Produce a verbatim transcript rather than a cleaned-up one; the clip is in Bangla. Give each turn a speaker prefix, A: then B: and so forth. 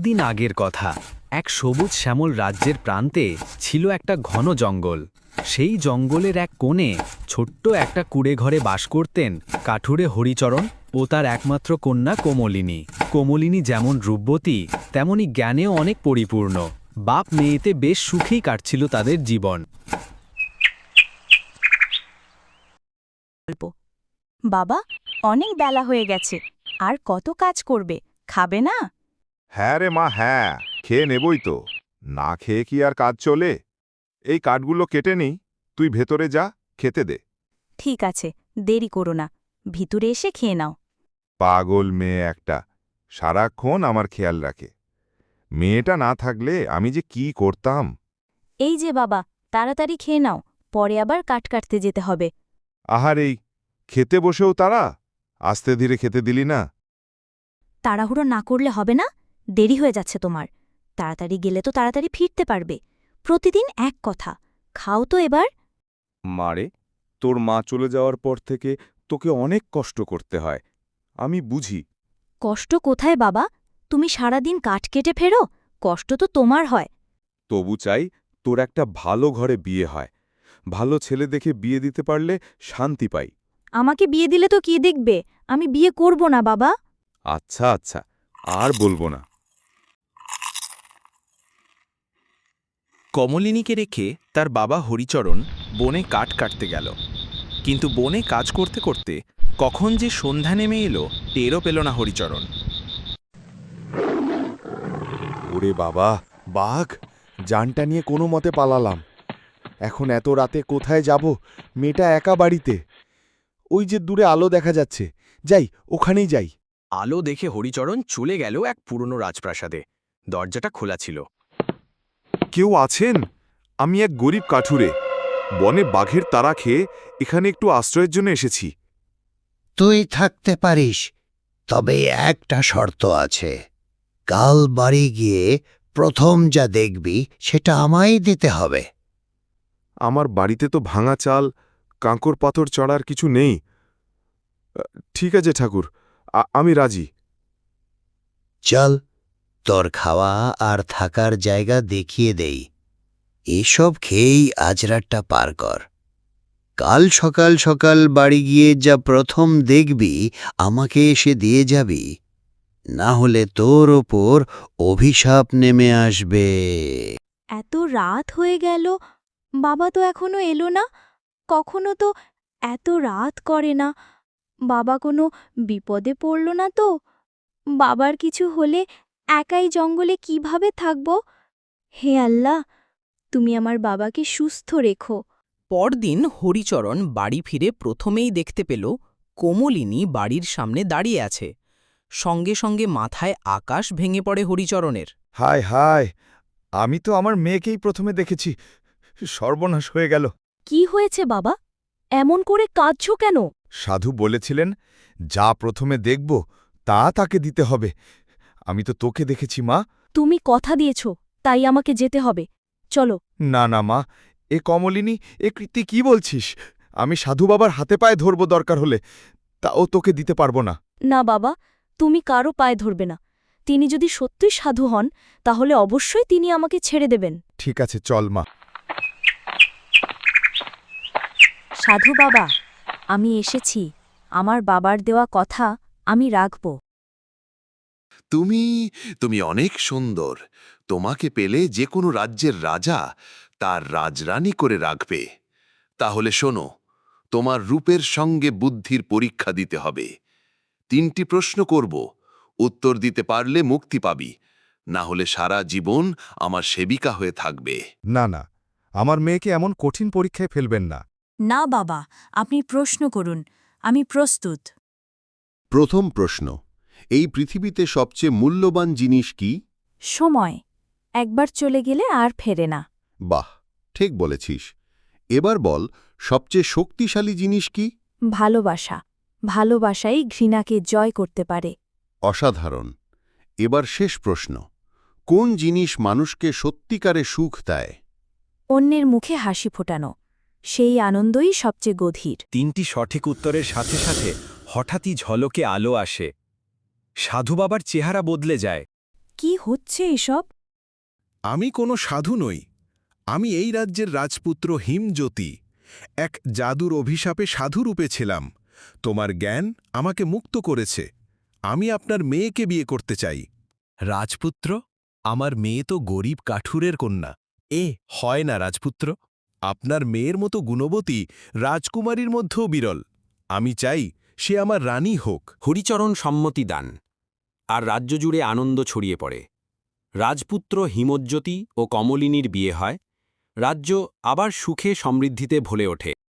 A: বহুদিন আগের কথা। এক সবুজ শ্যামল রাজ্যের প্রান্তে ছিল একটা ঘন জঙ্গল। সেই জঙ্গলের এক কোণে ছোট্ট একটা কুড়ে ঘরে বাস করতেন কাঠুরে হরিচরণ ও তার একমাত্র কন্যা কোমলিনী। কোমলিনী যেমন রূপবতী, তেমনি জ্ঞানেও অনেক পরিপূর্ণ। বাপ মেয়েতে বেশ সুখেই কাটছিল তাদের জীবন।
B: বাবা, অনেক বেলা হয়ে গেছে, আর কত কাজ করবে, খাবে না?
C: হ্যাঁ রে মা, হ্যাঁ, খেয়ে নেবই তো। না খেয়ে কি আর কাজ চলে? এই কাঠগুলো কেটে নিই, তুই ভেতরে যা, খেতে দে।
B: ঠিক আছে, দেরি করো না, ভিতরে এসে খেয়ে নাও।
C: পাগল মেয়ে একটা, সারাক্ষণ আমার খেয়াল রাখে। মেয়েটা না থাকলে আমি যে কি করতাম।
B: এই যে বাবা, তাড়াতাড়ি খেয়ে নাও, পরে আবার কাট কাটতে যেতে হবে।
C: আহার, এই খেতে বসেও তারা আস্তে ধীরে খেতে দিলি না।
B: তাড়াহুড়ো না করলে হবে না, দেরি হয়ে যাচ্ছে তোমার। তাড়াতাড়ি গেলে তো তাড়াতাড়ি ফিরতে পারবে। প্রতিদিন এক কথা, খাও তো এবার।
C: মারে, তোর মা চলে যাওয়ার পর থেকে তোকে অনেক কষ্ট করতে হয়, আমি বুঝি।
B: কষ্ট কোথায় বাবা? তুমি সারাদিন কাঠ কেটে ফেরো, কষ্ট তো তোমার হয়।
C: তবু চাই তোর একটা ভালো ঘরে বিয়ে হয়। ভালো ছেলে দেখে বিয়ে দিতে পারলে শান্তি পাই।
B: আমাকে বিয়ে দিলে তো কি দেখবে? আমি বিয়ে করব না বাবা।
C: আচ্ছা আচ্ছা, আর বলবো না।
D: কমলিনীকে রেখে তার বাবা হরিচরণ বনে কাঠ কাটতে গেল। কিন্তু বনে কাজ করতে করতে কখন যে সন্ধ্যা নেমে এলো টেরও পেল না হরিচরণ।
C: ওরে বাবা, বাঘ! জানটা নিয়ে কোনো মতে পালালাম। এখন এত রাতে কোথায় যাব? মেয়েটা একা বাড়িতে। ওই যে দূরে আলো দেখা যাচ্ছে, যাই, ওখানেই যাই।
A: আলো দেখে হরিচরণ চলে গেল এক পুরনো রাজপ্রাসাদে। দরজাটা খোলা ছিল।
C: কেউ আছেন? আমি এক গরিব কাঠুরে, বনে বাঘের তাড়া খেয়ে এখানে একটু আশ্রয়ের জন্য এসেছি।
E: তুই থাকতে পারিস, তবে একটা শর্ত আছে। কাল বাড়ি গিয়ে প্রথম যা দেখবি সেটা আমায় দিতে হবে।
C: আমার বাড়িতে তো ভাঙা চাল, কাঁকর পাথর চড়ার কিছু নেই। ঠিক আছে ঠাকুর, আ- আমি রাজি।
E: চল, তোর খাওয়া আর থাকার জায়গা দেখিয়ে দেই। এসব খেয়েই আজ রাতটা পার কর। কাল সকাল সকাল বাড়ি গিয়ে যা প্রথম দেখবি আমাকে এসে দিয়ে যাবি, না হলে তোর ওপর অভিশাপ নেমে আসবে।
B: এত রাত হয়ে গেল, বাবা তো এখনো এলো না। কখনো তো এত রাত করে না। বাবা কোনো বিপদে পড়ল না তো? বাবার কিছু হলে একাই জঙ্গলে কিভাবে থাকব? হে আল্লাহ, তুমি আমার বাবাকে সুস্থ রেখো।
F: পরদিন হরিচরণ বাড়ি ফিরে প্রথমেই দেখতে পেল কোমলিনী বাড়ির সামনে দাঁড়িয়ে আছে। সঙ্গে সঙ্গে মাথায় আকাশ ভেঙে পড়ে হরিচরণের।
C: হায় হায়, আমি তো আমার মেয়েকেই প্রথমে দেখেছি। সর্বনাশ হয়ে গেল।
B: কি হয়েছে বাবা? এমন করে কাঁদছ কেন?
C: সাধু বলেছিলেন, যা প্রথমে দেখব তা তাকে দিতে হবে। আমি তো তোকে দেখেছি মা।
B: তুমি কথা দিয়েছ, তাই আমাকে যেতে হবে। চলো।
C: না না মা, এ কমলিনী, এ কৃতি কি বলছিস? আমি সাধু বাবার হাতে পায়ে ধরব দরকার হলে, তাও তোকে দিতে পারবো না।
B: না বাবা, তুমি কারো পায়ে ধরবে না। তিনি যদি সত্যই সাধু হন, তাহলে অবশ্যই তিনি আমাকে ছেড়ে দেবেন।
C: ঠিক আছে, চল মা।
B: সাধু বাবা, আমি এসেছি। আমার বাবার দেওয়া কথা আমি রাখব।
G: তুমি তুমি অনেক সুন্দর। তোমাকে পেলে যে কোনো রাজ্যের রাজা তার রাজরানী করে রাখবে। তাহলে শোনো, তোমার রূপের সঙ্গে বুদ্ধির পরীক্ষা দিতে হবে। তিনটি প্রশ্ন করব, উত্তর দিতে পারলে মুক্তি পাবি, না হলে সারা জীবন আমার সেবিকা হয়ে থাকবে।
C: না না, আমার মেয়েকে এমন কঠিন পরীক্ষায় ফেলবেন না।
B: না বাবা, আপনি প্রশ্ন করুন, আমি প্রস্তুত।
H: প্রথম প্রশ্ন, এই পৃথিবীতে সবচেয়ে মূল্যবান জিনিস কি?
B: সময় একবার চলে গেলে আর ফেরে না।
H: বাহ, ঠিক বলেছিস। এবার বল, সবচেয়ে শক্তিশালী জিনিস কি?
B: ভালোবাসা। ভালোবাসাই ঘৃণাকে জয় করতে পারে।
H: অসাধারণ। এবার শেষ প্রশ্ন, কোন জিনিস মানুষকে সত্যিকারে সুখ দেয়?
B: অন্যের মুখে হাসি ফোটানো, সেই আনন্দই সবচেয়ে গভীর।
A: তিনটি সঠিক উত্তরের সাথে সাথে হঠাৎই ঝলকে আলো আসে। সাধু বাবার চেহারা বদলে যায়।
B: কি হচ্ছে এসব?
I: আমি কোনো সাধু নই। আমি এই রাজ্যের রাজপুত্র হিমজ্যোতি। এক জাদুর অভিশাপে সাধুরূপে ছিলাম। তোমার জ্ঞান আমাকে মুক্ত করেছে। আমি আপনার মেয়েকে বিয়ে করতে চাই। রাজপুত্র, আমার মেয়ে তো গরিব কাঠুরের কন্যা। এ হয় না রাজপুত্র। আপনার মেয়ের মতো গুণবতী রাজকুমারীর মধ্যেও বিরল। আমি চাই সে আমার রানী হোক।
J: হরিচরণ সম্মতি দান, আর রাজ্য জুড়ে আনন্দ ছড়িয়ে পড়ে। রাজপুত্র হিমজ্যোতি ও কমলিনীর বিয়ে হয়। রাজ্য আবার সুখে সমৃদ্ধিতে ভরে ওঠে।